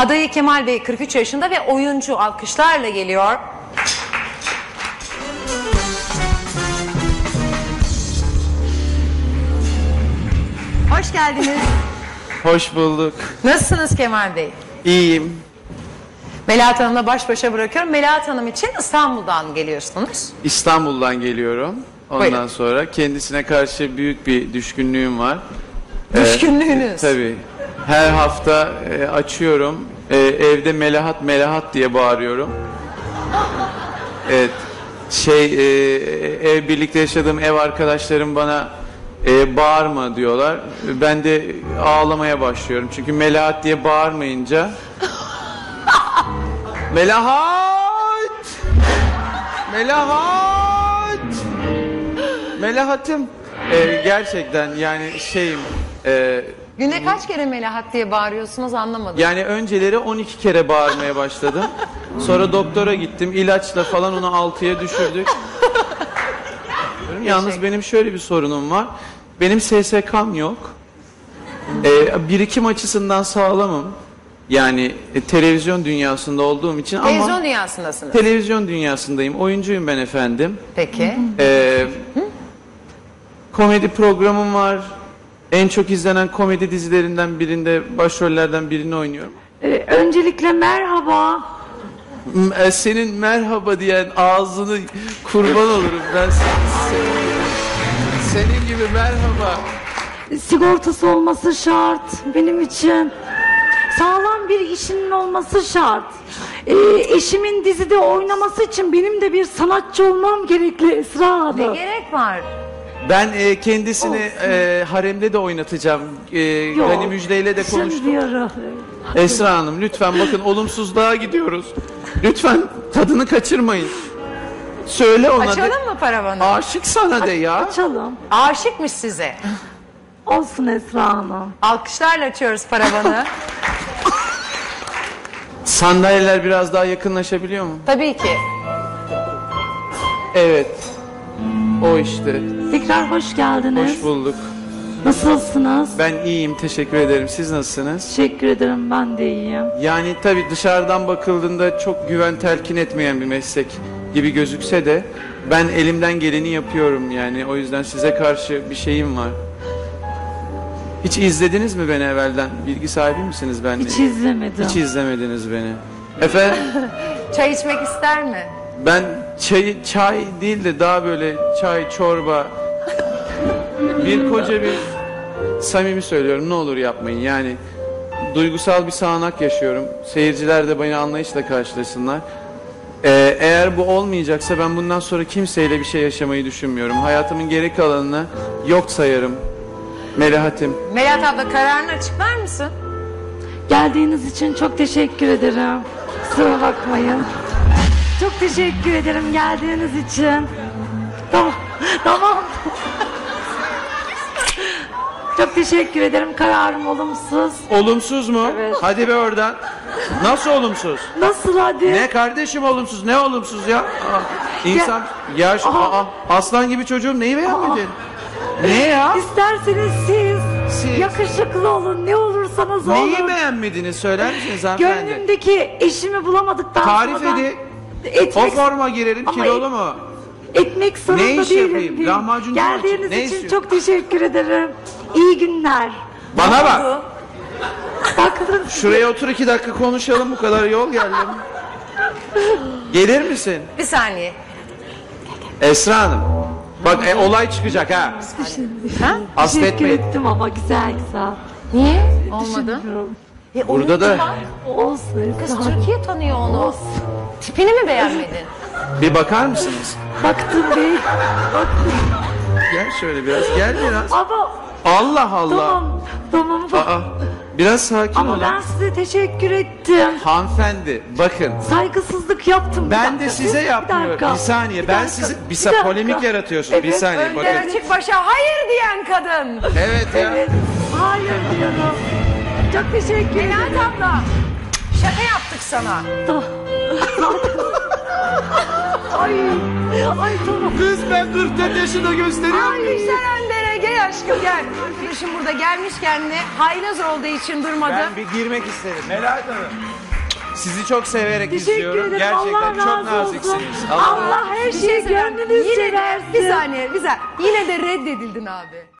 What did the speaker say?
Adayı Kemal Bey 43 yaşında ve oyuncu, alkışlarla geliyor. Hoş geldiniz. Hoş bulduk. Nasılsınız Kemal Bey? İyiyim. Melahat Hanım'la baş başa bırakıyorum. Melahat Hanım için İstanbul'dan geliyorsunuz. İstanbul'dan geliyorum. Ondan Buyurun. sonra kendisine karşı büyük bir düşkünlüğüm var. Düşkünlüğünüz. Tabii. Her hafta açıyorum. Evde Melahat Melahat diye bağırıyorum. Evet. Ev birlikte yaşadığım ev arkadaşlarım bana bağırma diyorlar. Ben de ağlamaya başlıyorum. Çünkü Melahat diye bağırmayınca Melahat! Melahat! Melahat'ım. Gerçekten yani Günde kaç kere Melahat diye bağırıyorsunuz anlamadım. yani önceleri 12 kere bağırmaya başladım. Sonra doktora gittim. İlaçla falan onu 6'ya düşürdük. Yalnız benim şöyle bir sorunum var. Benim SSK'm yok. Birikim açısından sağlamım. Yani televizyon dünyasında olduğum için Televizyon ama dünyasındasınız. televizyon dünyasındayım. Oyuncuyum ben efendim. Peki. Komedi programım var. En çok izlenen komedi dizilerinden birinde başrollerden birini oynuyorum. Öncelikle merhaba. Senin merhaba diyen ağzını kurban olurum ben senin gibi merhaba. Sigortası olması şart benim için. Sağlam bir işinin olması şart. Eşimin dizide oynaması için benim de bir sanatçı olmam gerekli Esra Ne Hanım. gerek var? Ben kendisini haremde de oynatacağım. Gani Müjde'yle de konuştum. Düşünmüyorum. Esra Hanım lütfen bakın olumsuzluğa gidiyoruz. Lütfen tadını kaçırmayın. Söyle ona de. Açalım mı paravanı? Aşık sana de ya. Açalım. Aşıkmış size. Olsun Esra Hanım. Alkışlarla açıyoruz paravanı. Sandalyeler biraz daha yakınlaşabiliyor mu? Tabii ki. Evet. O işte. Tekrar hoş geldiniz. Hoş bulduk. Nasılsınız? Ben iyiyim, teşekkür ederim. Siz nasılsınız? Teşekkür ederim, ben de iyiyim. Yani tabii dışarıdan bakıldığında çok güven telkin etmeyen bir meslek gibi gözükse de ben elimden geleni yapıyorum yani. O yüzden size karşı bir şeyim var. Hiç izlediniz mi beni evvelden? Bilgi sahibi misiniz benimle? Hiç izlemedim. Hiç izlemediniz beni. Efendim? Çay içmek ister mi? Ben çay değil de daha böyle çay, çorba, koca bir samimi söylüyorum ne olur yapmayın yani duygusal bir sağanak yaşıyorum. Seyirciler de beni anlayışla karşılasınlar. Eğer bu olmayacaksa ben bundan sonra kimseyle bir şey yaşamayı düşünmüyorum. Hayatımın geri kalanını yok sayarım. Melahat'im. Melahat abla kararını açıklar mısın? Geldiğiniz için çok teşekkür ederim. Kusura bakmayın. Çok teşekkür ederim geldiğiniz için. Tamam. Tamam. Çok teşekkür ederim. Kararım olumsuz. Olumsuz mu? Evet. Hadi be oradan. Nasıl olumsuz? Nasıl hadi? Ne kardeşim olumsuz? Ne olumsuz ya? İnsan aslan gibi çocuğum neyi beğenmedin? Ne ya? İsterseniz siz yakışıklı olun. Ne olursanız olun. Neyi beğenmediniz söyler misiniz hanımefendi? Gönlümdeki eşimi bulamadıktan Tarif sonra edin. etmek, O forma girelim Ama kilolu mu? etmek zorunda Ne iş değilim. yapayım? Lahmacuncu mu açayım? Geldiğiniz Ne için istiyorsun? çok teşekkür ederim. İyi günler. Bana bak. Bakın Şuraya otur 2 dakika konuşalım bu kadar yol geldim. Gelir misin? Bir saniye. Esra Hanım. Bak olay çıkacak ha. Ha? teşekkür Hasretmeyin. ettim ama güzel güzel. Niye? Olmadı. Burada da Olsun. Kız Esra. Türkiye tanıyor onu. Olsun. Tipini mi beğenmedin? bir bakar mısınız? Baktım bey. Baktım. Gel şöyle biraz. Gel biraz. Ama Allah Allah. tamam. Tamam. Aa, biraz sakin Ama olun. ben size teşekkür ettim. Hanımefendi bakın. Saygısızlık yaptım. Bir Ben dakika, de size bir yapmıyorum. dakika, Bir saniye. bir Ben dakika, sizi bir dakika. polemik yaratıyorsunuz. Bir Evet, saniye Önder bakın. açık başa hayır diyen kadın. Evet ya. Evet. Hayır diyorum. Çok teşekkür ederim. Melahat abla. Şaka yaptık sana. Ay. Ay tamam. Kız ben 44 yaşında gösteriyor Ay. muyum? Yüksel Önder'e gel aşkım gel. Arkadaşım burada gelmişken de haylaz olduğu için durmadı. Ben bir girmek isterim. Melahat Hanım. Sizi çok severek Teşekkür izliyorum. ederim. Gerçekten Allah çok razı naziksiniz. olsun. Allah her şeyi söyleyeyim. gönlünüzce Yine de versin. bir saniye. Yine de reddedildin abi.